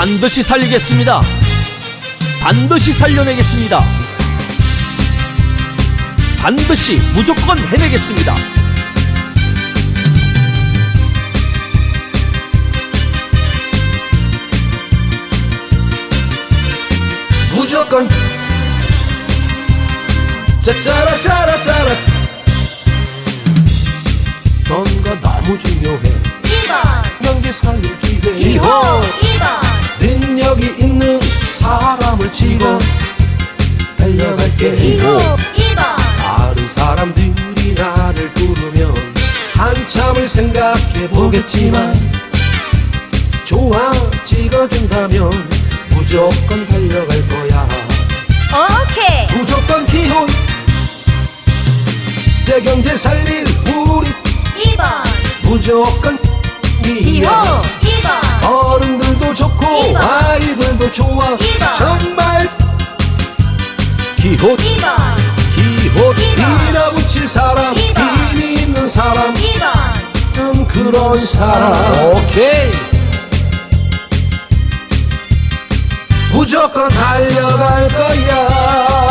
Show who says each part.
Speaker 1: 반드시 살리겠습니다. 반드시 살려내겠습니다. 반드시 무조건 해내겠습니다.
Speaker 2: 무조건 짜짜라짜라짜라. 넌가 너무 중요해.
Speaker 3: 2번
Speaker 2: 명기 살릴 기회.
Speaker 3: 2번
Speaker 2: 능력이 있는 사람을 치고 달려갈게.
Speaker 3: 2번
Speaker 2: 다른 사람들이 나를 부르면 한참을 생각해 보겠지만 좋아 찍어준다면 무조건 달려갈 거야.
Speaker 3: 오케이
Speaker 2: 무조건 기혼 내 경제 살릴 우리
Speaker 3: 2번
Speaker 2: 무조건
Speaker 3: 기호
Speaker 2: 이야.
Speaker 3: 2번
Speaker 2: 어른들도 좋고
Speaker 3: 이번.
Speaker 2: 아이들도 좋아.
Speaker 3: 이번.
Speaker 2: 정말 기호
Speaker 3: 2번
Speaker 2: 기호
Speaker 3: 이번.
Speaker 2: 밀어붙일 사람
Speaker 3: 이번.
Speaker 2: 힘이 있는 사람
Speaker 3: 2번
Speaker 2: 그런 사람. 오케이 무조건 달려갈 거야.